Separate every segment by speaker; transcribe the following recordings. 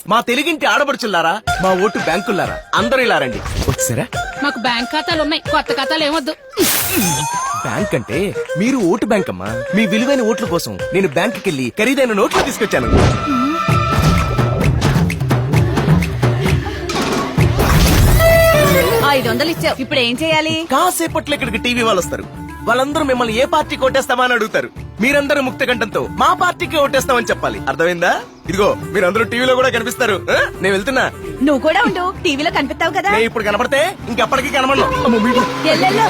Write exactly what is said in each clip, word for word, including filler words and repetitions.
Speaker 1: మా తెలుగింటి ఆడపడుచులారా, మా ఓటు బ్యాంకులారా, అందరూ ఇలా రండి. వచ్చారా?
Speaker 2: మాకు బ్యాంక్ ఖాతాలు ఉన్నాయి, కొత్త ఖాతాలు ఏమొద్దు.
Speaker 1: బ్యాంక్ అంటే మీరు ఓటు బ్యాంక్ అమ్మా. మీ విలువైన ఓట్ల కోసం నేను బ్యాంకుకి వెళ్లి ఖరీదైన నోట్లు తీసుకొచ్చాను.
Speaker 3: ఐదు వందలు ఇచ్చావు, ఇప్పుడు ఏం చేయాలి?
Speaker 1: కాసేపట్లో ఇక్కడికి టీవీ వాళ్ళు వస్తారు. వాళ్ళందరూ మిమ్మల్ని ఏ పార్టీకి ఓటేస్తామా అని అడుగుతారు. మీరందరూ ముక్త కంఠంతో మా పార్టీకి ఓటేస్తామని చెప్పాలి. అర్థమైందా? ఇదిగో మీరందరూ టీవీలో కూడా కనిపిస్తారు. ఆ? నేను వెళ్తున్నా.
Speaker 3: నువ్వు కూడా ఉండు, టీవీలో కనిపిస్తావు కదా.
Speaker 1: నేను ఇప్పుడు కనపడితే ఇంకెప్పటికీ కనబడను.
Speaker 3: ఎల్లెల్లో.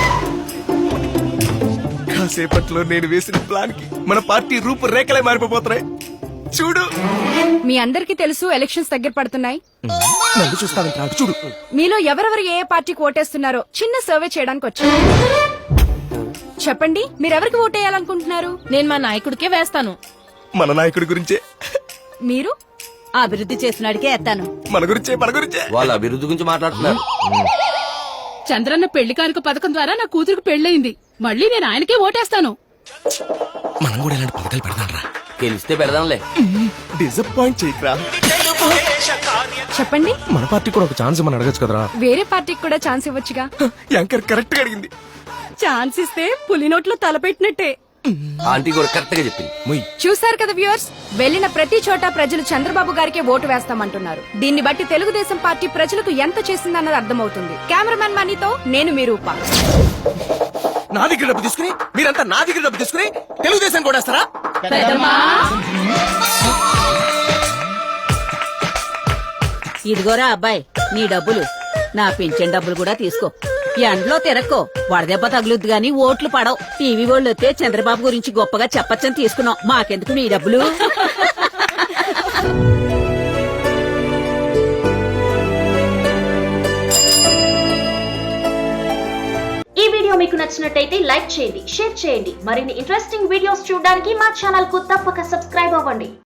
Speaker 1: కాసేపట్లో నేను వేసిన ప్లాన్ కి మన పార్టీ రూపు రేఖలే మారిపోతున్నాయి. చూడు.
Speaker 4: మీ అందరికీ తెలుసు ఎలక్షన్స్ దగ్గర పడుతున్నాయి.
Speaker 1: నన్ను చూస్తావంటే నాకు చూడు.
Speaker 4: మీలో ఎవరెవరు ఏ పార్టీకి ఓటేస్తున్నారో చిన్న సర్వే చేయడానికి వచ్చాను. చెప్పండి, మీరెవరికి ఓటేయాలనుకుంటున్నారు?
Speaker 2: నేను మా నాయకుడికే వేస్తాను.
Speaker 1: మన నాయకుడి గురించే.
Speaker 4: మీరు?
Speaker 3: అభివృద్ధి చేసినాడికే ఎత్తాను.
Speaker 1: మన గురించే మన గురించే
Speaker 5: వాళ్ళ అభివృద్ధి గురించి మాట్లాడుతున్నారు.
Speaker 2: చంద్రన్న పెళ్లి కానుక పథకం ద్వారా నా కూతురికి పెళ్లయింది. మళ్ళీ నేను ఆయనకే ఓటేస్తాను.
Speaker 1: మనం కూడా ఇలాంటి పథకాలు పెడదాం రా.
Speaker 5: గెలిస్తే పెడదాంలే.
Speaker 1: డిసప్పాయింట్ చేయకరా.
Speaker 4: చెప్పండి,
Speaker 1: మన పార్టీ కూడా ఒక ఛాన్స్ మనం అడగచ్చు కదరా.
Speaker 4: వేరే పార్టీకి కూడా ఛాన్స్ ఇవ్వచ్చుగా.
Speaker 1: యాంకర్ కరెక్ట్ గా అడిగింది.
Speaker 4: ఛాన్స్ ఇస్తే పులి నోట్లో తలపెట్టినట్టే.
Speaker 5: ఆంటీ కూడా కరెక్ట్ గా చెప్పింది.
Speaker 1: ముయ్.
Speaker 4: చూసారు కదా వ్యూవర్స్, వెళ్లిన ప్రతి చోట ప్రజలు చంద్రబాబు గారికే ఓటు వేస్తామంటున్నారు. దీన్ని బట్టి తెలుగుదేశం పార్టీ ప్రజలకు ఎంత చేసిందన్నది అర్థమవుతుంది. కెమెరామెన్ మనీతో నేను మీ రూప.
Speaker 1: నా దగ్గర డబ్బు తీసుకుని మీరంతా నా దగ్గర డబ్బు తీసుకుని తెలుగుదేశం కూడా వేస్తారా?
Speaker 3: ఇదిగోరా అబ్బాయి, నీ డబ్బులు. నా పింఛన్ డబ్బులు కూడా తీసుకో. ఎండలో తిరక్కో, వడదెబ్బ తగులుద్ది గాని ఓట్లు పడవు. టీవీ వాళ్ళు వస్తే చంద్రబాబు గురించి గొప్పగా చెప్పచ్చని తీసుకున్నాం. మాకెందుకు నీ డబ్బులు?
Speaker 6: ఈ వీడియో మీకు నచ్చినట్టయితే లైక్ చేయండి, షేర్ చేయండి. మరిన్ని ఇంట్రెస్టింగ్ వీడియోస్ చూడడానికి మా ఛానల్ కు తప్పక సబ్స్క్రైబ్ అవ్వండి.